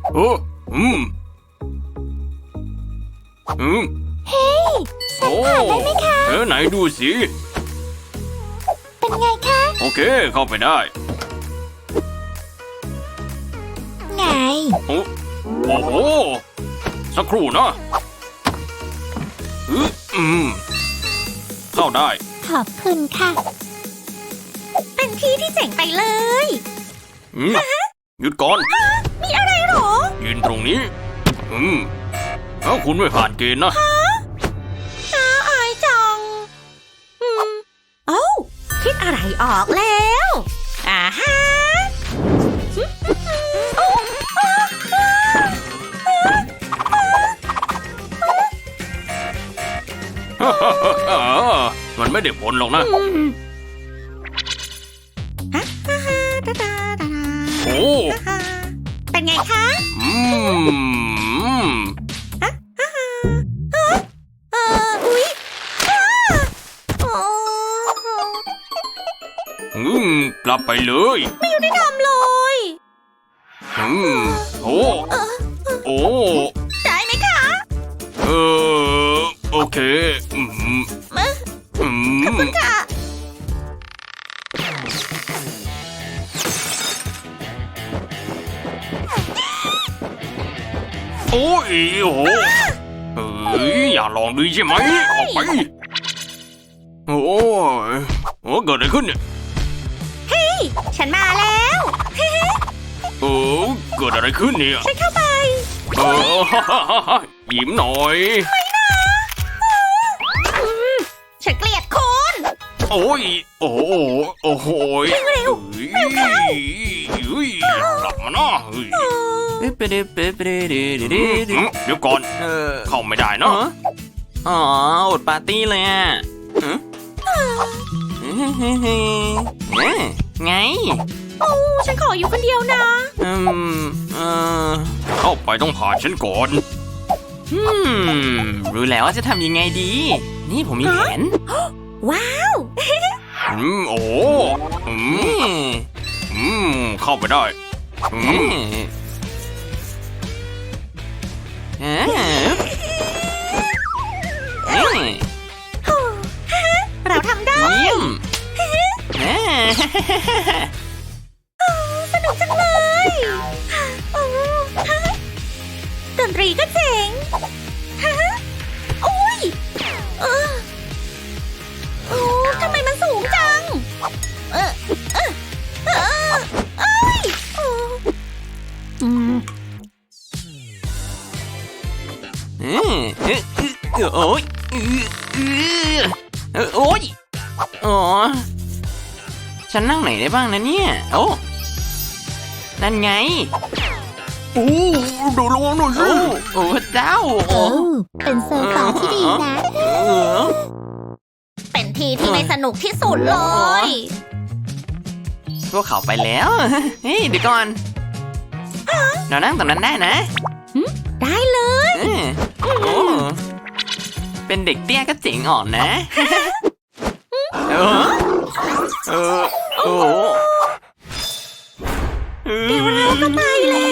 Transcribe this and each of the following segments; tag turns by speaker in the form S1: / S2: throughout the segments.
S1: โอ้
S2: เฮ้ยสัมผัสได้ไหมคะ
S1: ไหนดูสิ
S2: เป็นไงคะ
S1: โอเคเข้าไปได้
S2: ไง
S1: โอ้โหสักครู่นะเข้าได้
S2: ขอบคุณค่ะ
S3: เป็นที่ที่เจ๋งไปเลย
S1: หยุดก่อน
S3: มีอะไรหรอ
S1: ยืนตรงนี้ถ้าคุณไม่ผ่านเกณฑ์นะ
S3: น่าอายจังเอ้าคิดอะไรออกแล้วอ่าฮะ
S1: มันไม่ได้ผลหรอกนะ โอ้
S3: เป็นไงคะอุ๊ย
S1: กลับไปเลย
S3: ไม่ยุติธรรมเลย
S1: โอ้โอ้
S3: ได้ไหมคะ
S1: โอเค
S3: ขอบคุณค่ะ
S1: โอ้ยโอ้อย่าลองดูใช่ไหมออกไปโอ้เกิดอะไรขึ้นเนี่ย
S3: เฮ้ยฉันมาแล้ว
S1: เกิดอะไรขึ้นเนี่ย
S3: ฉันเข้าไป
S1: ยิ้มหน่อย
S3: ฉันเกลียดคุณ
S1: โอ้ยโอ้โห
S3: เร็ว
S1: กลับมานะเดี๋ยวก่อนเข้าไม่ได้นะ
S4: อดปาร์ตี้เลยอ่ะไง
S3: โอ้ฉันขออยู่คนเดียวนะ
S1: เข้าไปต้องผ่านฉันก่อน
S4: รู้แล้วว่าจะทำยังไงดี นี่ผมมีแผน
S3: ว้าว
S1: โอ้เข้าไปได้
S3: เราทำได้
S4: เยี่ยม
S3: สนุกจังเลยดนตรีก็เจ๋งโอ้ยทำไมมันสูงจัง
S4: โอ้ยโอ้ยอ๋อฉันนั่งไหนได้บ้างนะเนี่ยโอ้นั่นไง
S1: ดูระวังหน่อยสิ
S4: โอ้เจ้า
S2: เป็นเซอร์ไพรส์ที่ดีนะ
S3: เป็นทีที่ไม่สนุกที่สุดเลย
S4: พวกเขาไปแล้วเฮ้ยเดี๋ยวก่อนเรานั่งตรงนั้นได้นะ
S3: ได้เลย
S4: เป็นเด็กเตี้ยก็เจ๋งอ่อนนะ
S3: เดี๋ยวเราก็ไป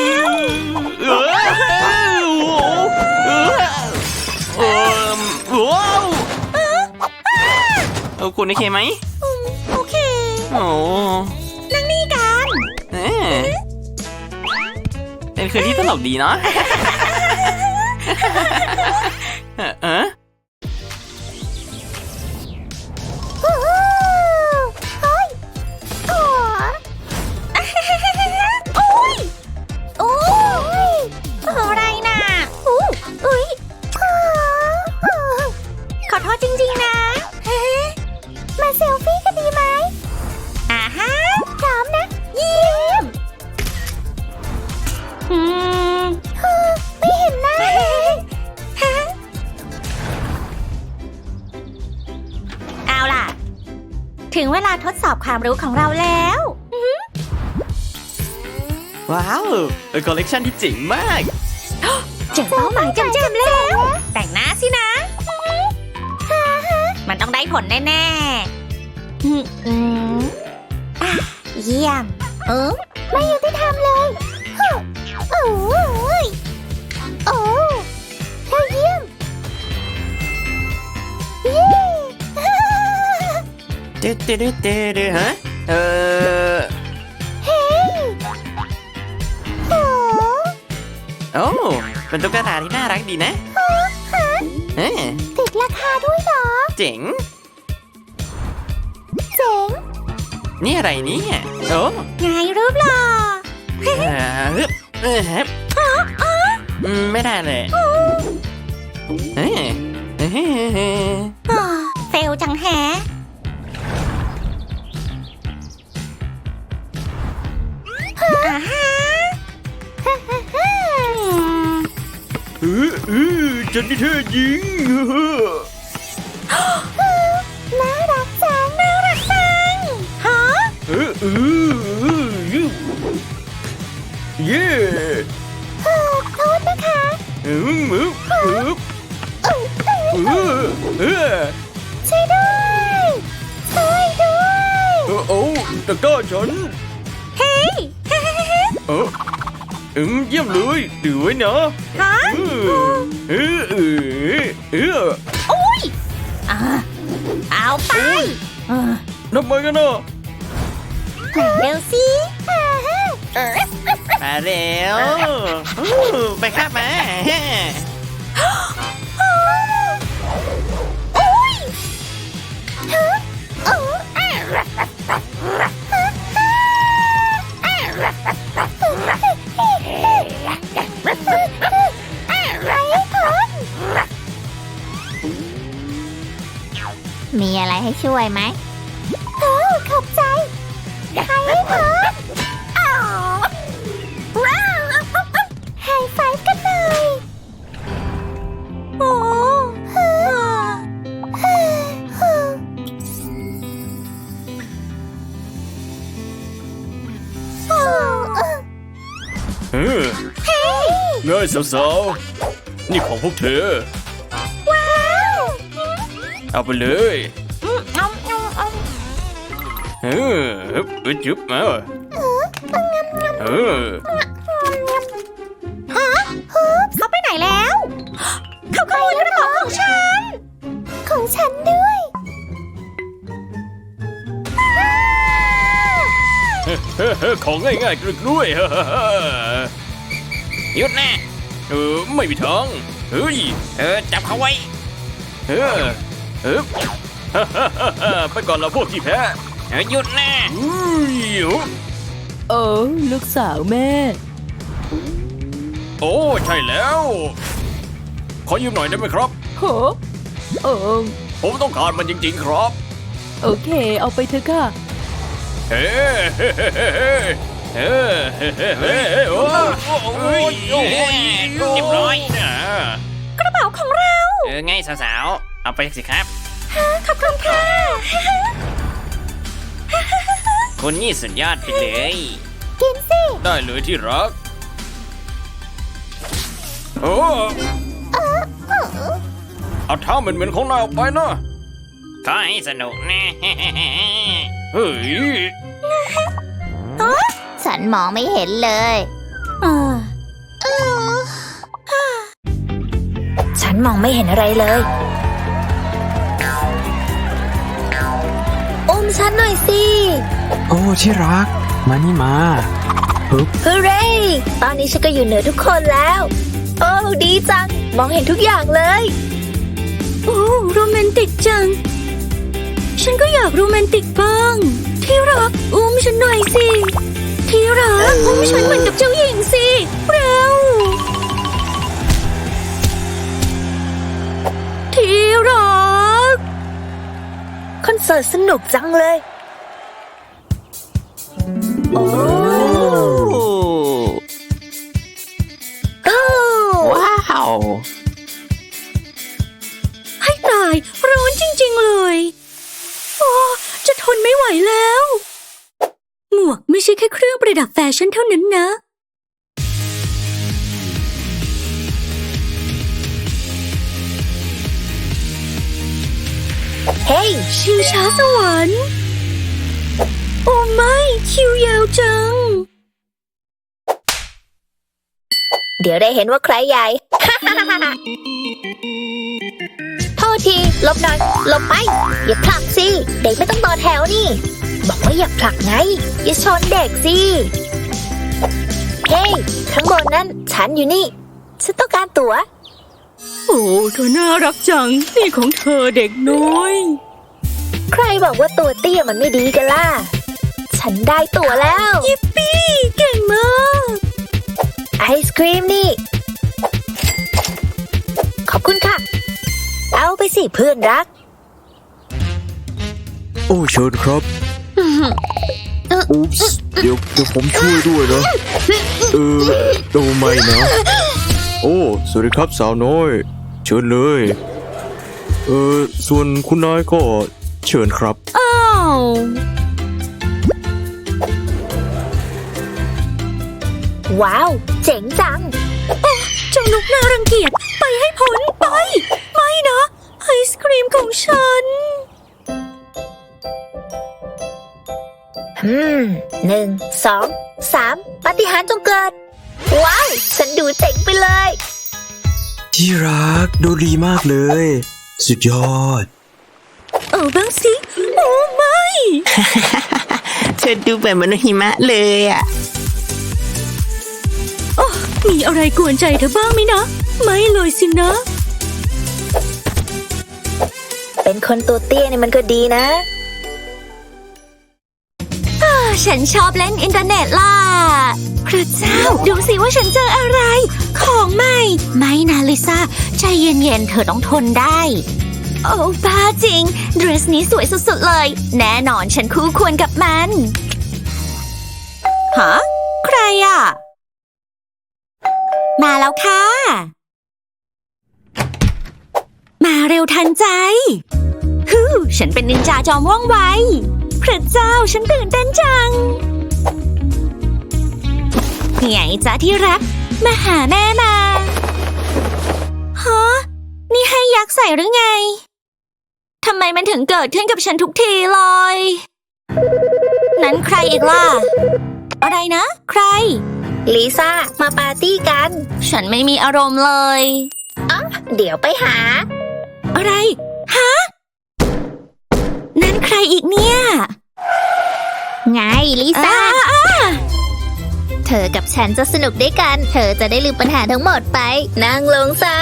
S4: แล้วคุณโอเคไหม
S3: โอเคนั่งนี่กัน
S4: เป็นคืนที่ตลกดีเนาะ
S3: อะไรน่ะขอโทษจริงๆนะ
S2: มาเซลฟี่กันดีไหม
S3: ฮะ
S2: พร้อมนะ
S3: เยี่ยม
S2: ไม่เห็นหน้าเลย
S3: เอาล่ะถึงเวลาทดสอบความรู้ของเราแล้ว
S4: ว้าวคอลเลกชันที่เจ๋งมาก
S3: เจ๋งเป้าหมายจำๆแล้วแต่งหน้าสินะมันต้องได้ผลแน่
S2: เยี่ยมไม่ยุติธรรมเลย
S4: ฮะเฮ้ยโอ้เป็นตุ๊กตาที่น่ารักดีนะ
S2: ติดราคาด้วยเหรอ
S4: เจ๋ง
S2: เจ๋ง
S4: นี่อะไรเนี่ยโอ้
S3: ไงรูปหล่อ
S4: ฮึบฮึบไม่ได้เลย
S3: เฟลจังแฮะอาฮะ
S1: ฉันนี่เธอยิง
S2: น่ารักจัง
S3: น่ารักจังฮะ
S1: เย่
S2: โทษนะคะ ช่วยด้วยช่วยด้วย
S1: โอ้ตะก้าฉัน
S3: เฮ้ย
S1: เยี่ยมเลยดูไว้นะ
S3: ฮะ โอ้ยเอาไป
S1: ทำไมกันนะ
S3: เร็วสิ
S4: มาเร็วไปครับมา
S2: มีอะไรให้ช่วยไหมโอ้ขอบใจใครให้พรว้าวไฮไฟว์กันหน่อย
S3: โอ้
S1: ง่ายสาวๆนี่ของพวกเธอ
S2: ว้าว
S1: เอาไปเลย จุ๊บมา
S3: เขาไปไหนแล้ว เขาขโมยกระเป๋าของฉัน
S2: ของฉันด้วย
S1: ของง่ายๆกรึกด้วย
S4: หยุดนะ
S1: ไม่มีทางเฮ้ย
S4: จับเขาไว้
S1: ไปก่อนละพวกที่แพ้
S4: หยุดนะ
S5: ลูกสาวแม่
S1: โอ้ใช่แล้ว ขอยืมหน่อยได้ไหมครับ
S5: โห
S1: ผมต้องการมันจริงๆครับ
S5: โอเค เอาไปเถอะค่ะ
S1: เฮ้โอ้ย
S4: เรียบร้อย
S3: กระเป๋าของเรา
S4: ไงสาวๆเอาไปสิครับ
S3: ขอบคุณค่ะ
S4: คุณนี่สุดยอดไปเลย
S2: กินสิ
S1: ได้เลยที่รักโอ้เอาเท้าเหม็นๆของนายออกไปนะ
S4: ขอให้สนุกนะ
S1: เฮ้ย
S2: ฉันมองไม่เห็นเลย ฉันมองไม่เห็นอะไรเลยอุ้มฉันหน่อยสิ
S6: โอ้ที่รัก มานี่มา
S2: ฮูเร่ตอนนี้ฉันก็อยู่เหนือทุกคนแล้ว โอ้ดีจัง มองเห็นทุกอย่างเลย
S3: โอ้โรแมนติกจัง ฉันก็อยากโรแมนติกบ้าง ที่รักอุ้มฉันหน่อยสิ ที่รักอุ้มฉันเหมือนกับเจ้าหญิงสิเร็วที่รัก
S2: คอนเสิร์ตสนุกจังเลย โอ้
S6: ว้าว
S3: ให้ตายร้อนจริงๆเลยโอ้จะทนไม่ไหวแล้ว หมวกไม่ใช่แค่เครื่องประดับแฟชั่นเท่านั้นนะ
S2: เฮ้ย
S3: ชิวช้าสวรรค์ โอ้ไม่คิวยาวจัง
S2: เดี๋ยวได้เห็นว่าใครใหญ่ โทษทีหลบหน่อยหลบไป อย่าผลักสิ เด็กไม่ต้องต่อแถวนี่ บอกว่าอย่าผลักไง อย่าชนเด็กสิ เฮ้ยข้างบนนั้นฉันอยู่นี่ ฉันต้องการตั๋ว
S3: โอ้เธอน่ารักจัง นี่ของเธอเด็กน้อย
S2: ใครบอกว่าตัวเตี้ยมันไม่ดีกันล่ะ ฉันได้ตั๋วแล้ว
S3: ยิปปี้ เก่งมาก
S2: ไอศครีมนี่ ขอบคุณค่ะ เอาไปสิเพื่อนรัก
S6: โอ้เชิญครับอุ๊ปส์เดี๋ยวผมช่วยด้วยนะ โอ้ไม่นะ โอ้ สวัสดีครับสาวน้อย เชิญเลย ส่วนคุณนายก็เชิญครับ
S3: อ้าว
S2: ว้าว เจ๋งจัง
S3: เจ้านกน่ารังเกียจ ไปให้พ้นไป ไม่นะ ไอศครีมของฉัน
S2: 1 2 3 ปาฏิหาริย์จงเกิด ว้าว ฉันดูเจ๋งไปเลย
S6: ที่รักดูดีมากเลย สุดยอด
S3: เอาบ้างสิ โอ้ไม่
S4: เธอดูแบบมนุษย์หิมะเลยอ่ะ
S3: โอ้มีอะไรกวนใจเธอบ้างไหมนะ ไม่เลยสินะ
S2: เป็นคนตัวเตี้ยเนี่ยมันก็ดีนะ
S3: ฉันชอบเล่นอินเทอร์เน็ตล่ะ พระเจ้า ดูสิว่าฉันเจออะไร ของใหม่ ไม่นะลิซ่า ใจเย็นๆ เธอต้องทนได้ โอ้บ้าจริง เดรสนี้สวยสุดๆเลย แน่นอนฉันคู่ควรกับมัน ฮะ ใครอ่ะ มาแล้วค่ะ มาเร็วทันใจฮู้ฉันเป็นนินจาจอมว่องไว พระเจ้าฉันตื่นเต้นจังไงจ๊ะที่รัก มาหาแม่มาฮะนี่ให้ยักษ์ใส่หรือไง ทำไมมันถึงเกิดขึ้นกับฉันทุกทีเลย นั้นใครอีกล่ะ อะไรนะ ใคร
S2: ลิซ่า มาปาร์ตี้กัน
S3: ฉันไม่มีอารมณ์เลย
S2: เดี๋ยวไปหา
S3: อะไร ฮะ นั้นใครอีกเนี่ย
S2: ไงลิซ่า เธอกับฉันจะสนุกด้วยกัน เธอจะได้ลืมปัญหาทั้งหมดไป นั่งลงซะ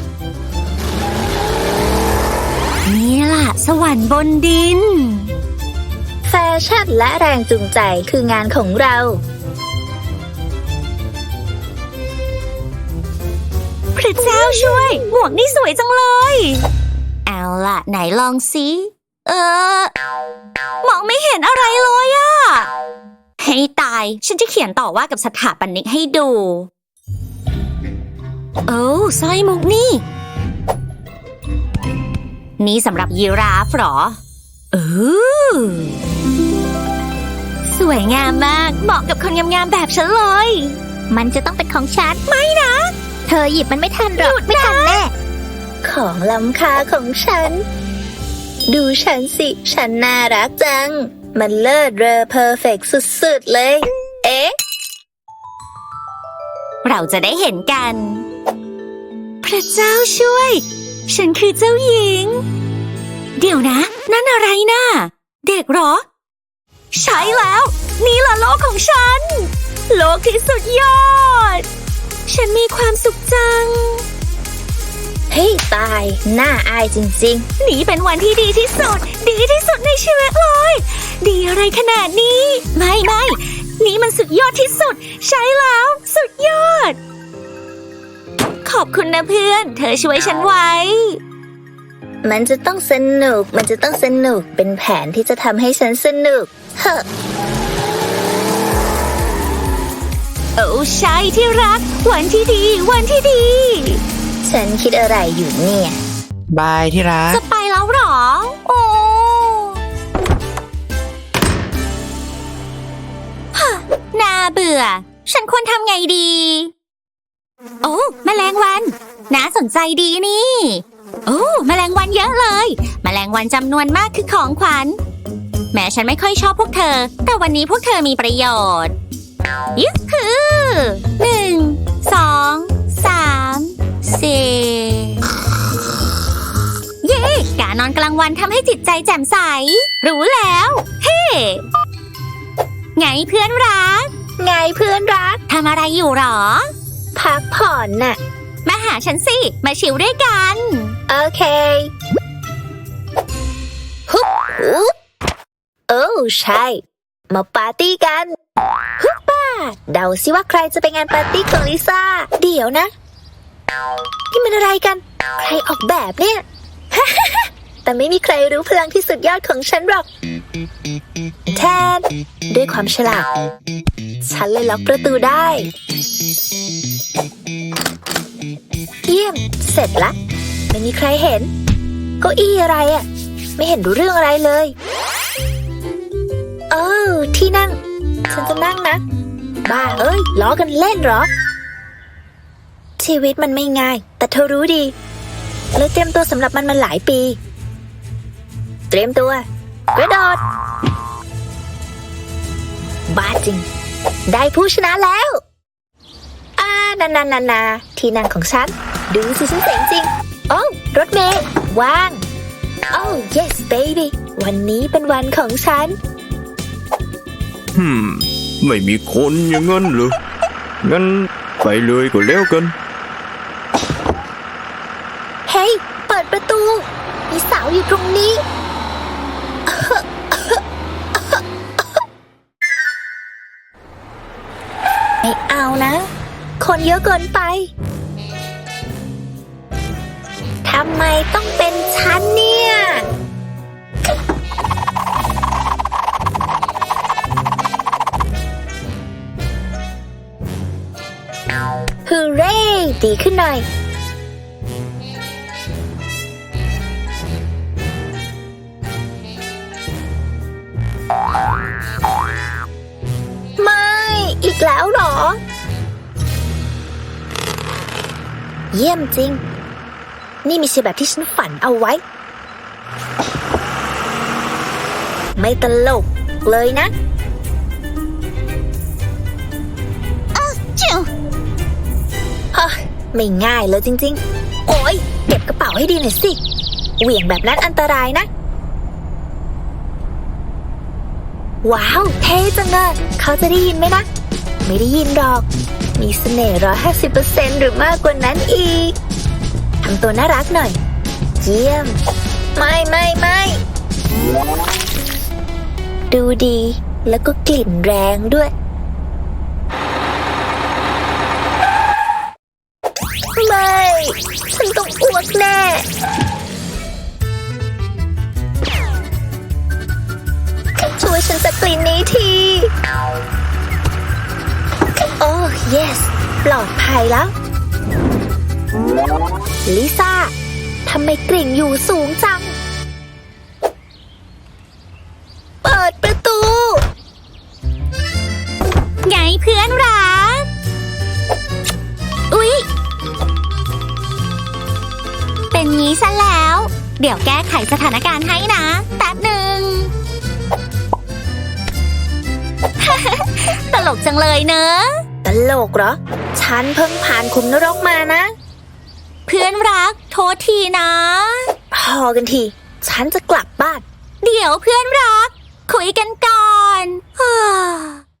S3: นี่ล่ะ สวรรค์บนดิน
S2: แฟชั่นและแรงจูงใจคืองานของเรา
S3: พระเจ้าช่วย หมวกนี่สวยจังเลย เอาล่ะ ไหนลองสิมองไม่เห็นอะไรเลยอะให้ตาย ฉันจะเขียนต่อว่ากับสถาปนิกให้ดู โอ้สร้อยมุกนี่ นี่สำหรับยีราฟเหรอสวยงามมาก เหมาะกับคนงามๆแบบฉันเลย
S2: มันจะต้องเป็นของฉัน ไม่นะ เธอหยิบมันไม่ทันหรอก ไม่ทันแน่ ของล้ำค่าของฉัน ดูฉันสิ ฉันน่ารักจัง มันเลิศเรอเพอร์เฟกต์สุดๆเลย เอ๊ะ
S3: เราจะได้เห็นกัน พระเจ้าช่วย ฉันคือเจ้าหญิง เดี๋ยวนะ นั่นอะไรนะ เด็กเหรอ ใช่แล้ว นี่ล่ะโลกของฉัน โลกที่สุดยอด ฉันมีความสุขจัง
S2: เฮ้ยตาย น่าอายจริง
S3: นี่เป็นวันที่ดีที่สุด ดีที่สุดในชีวิตเลย ดีอะไรขนาดนี้ ไม่ นี่มันสุดยอดที่สุด ใช่แล้ว สุดยอด ขอบคุณนะเพื่อน เธอช่วยฉันไว้
S2: ๆ มันจะต้องสนุก มันจะต้องสนุก เป็นแผนที่จะทำให้ฉันสนุก เฮ้อ
S3: โอ้ใช่ที่รัก วันที่ดี วันที่ดี
S2: ฉันคิดอะไรอยู่เนี่ย
S4: บายที่รัก
S3: จะไปแล้วเหรอ โอ้ฮะน่าเบื่อ ฉันควรทำไงดี โอ้แมลงวัน น่าสนใจดีนี่ โอ้แมลงวันเยอะเลย แมลงวันจำนวนมากคือของขวัญ แม้ฉันไม่ค่อยชอบพวกเธอ แต่วันนี้พวกเธอมีประโยชน์ยุคคือ1 2 3 4 เย้กลางวันทำให้จิตใจแจ่มใส รู้แล้ว เฮ้ ไงเพื่อนรัก
S2: ไงเพื่อนรัก
S3: ทำอะไรอยู่หรอ
S2: พักผ่อนน่ะ
S3: มาหาฉันสิ มาชิลด้วยกัน
S2: โอเคฮึบอุ๊บโอ้ใช่ มาปาร์ตี้กันฮึบป้าเดาสิว่าใครจะไปงานปาร์ตี้ของลิซ่า เดี๋ยวนะ นี่มันอะไรกัน ใครออกแบบเนี่ย แต่ไม่มีใครรู้พลังที่สุดยอดของฉันหรอก แทน ด้วยความฉลาด ฉันเลยล็อกประตูได้ เยี่ยม เสร็จละ ไม่มีใครเห็นเก้าอี้อะไรอ่ะ ไม่เห็นรู้เรื่องอะไรเลยที่นั่ง ฉันจะนั่งนะ บ้าเอ้ยล้อกันเล่นเหรอ ชีวิตมันไม่ง่าย แต่เธอรู้ดีเลยเตรียมตัวสำหรับมันมาหลายปี เตรียมตัวกระโดดบ้าจริง ได้ผู้ชนะแล้วนาที่นั่งของฉัน ดูสิฉันเจ๋งจริง โอ้รถเมล์ว่าง โอ้ yes baby วันนี้เป็นวันของฉัน
S6: ไม่มีคนอย่างนั้นเหรอ งั้นไปเลยก็แล้วกัน
S2: เฮ้ย เปิดประตู มีสาวอยู่ตรงนี้ ไม่เอานะ คนเยอะเกินไป ทำไมต้องเป็นฉันเนี่ย ฮูเร่ดีขึ้นหน่อย ไม่ อีกแล้วเหรอ เยี่ยมจริง นี่ไม่ใช่แบบที่ฉันฝันเอาไว้ ไม่ตลกเลยนะ
S3: จิ๋ว
S2: ไม่ง่ายเลยจริงๆ โอ๊ย เก็บกระเป๋าให้ดีหน่อยสิ เหวี่ยงแบบนั้นอันตรายนะ ว้าว เท่จังเลยเขาจะได้ยินไหมนะ ไม่ได้ยินหรอก มีเสน่ห์150%หรือมากกว่านั้นอีก ทำตัวน่ารักหน่อย เยี่ยม ไม่ดูดีแล้วก็กลิ่นแรงด้วย ไม่ ฉันต้องอ้วกแน่ ช่วยฉันจากกลิ่นนี้ที โอ้ yes ปลอดภัยแล้ว ลิซ่า ทำไมกลิ่นอยู่สูงจัง เปิดประตู
S3: ไงเพื่อนรัก อุ๊ย เป็นงี้ซะแล้ว เดี๋ยวแก้ไขสถานการณ์ให้นะ แป๊บหนึ่ง ตลกจังเลยเนอะ
S2: ตลกเหรอ ฉันเพิ่งผ่านขุมนรกมานะ
S3: เพื่อนรัก โทษทีนะ
S2: พอกันที ฉันจะกลับบ้าน
S3: เดี๋ยวเพื่อนรัก คุยกันก่อน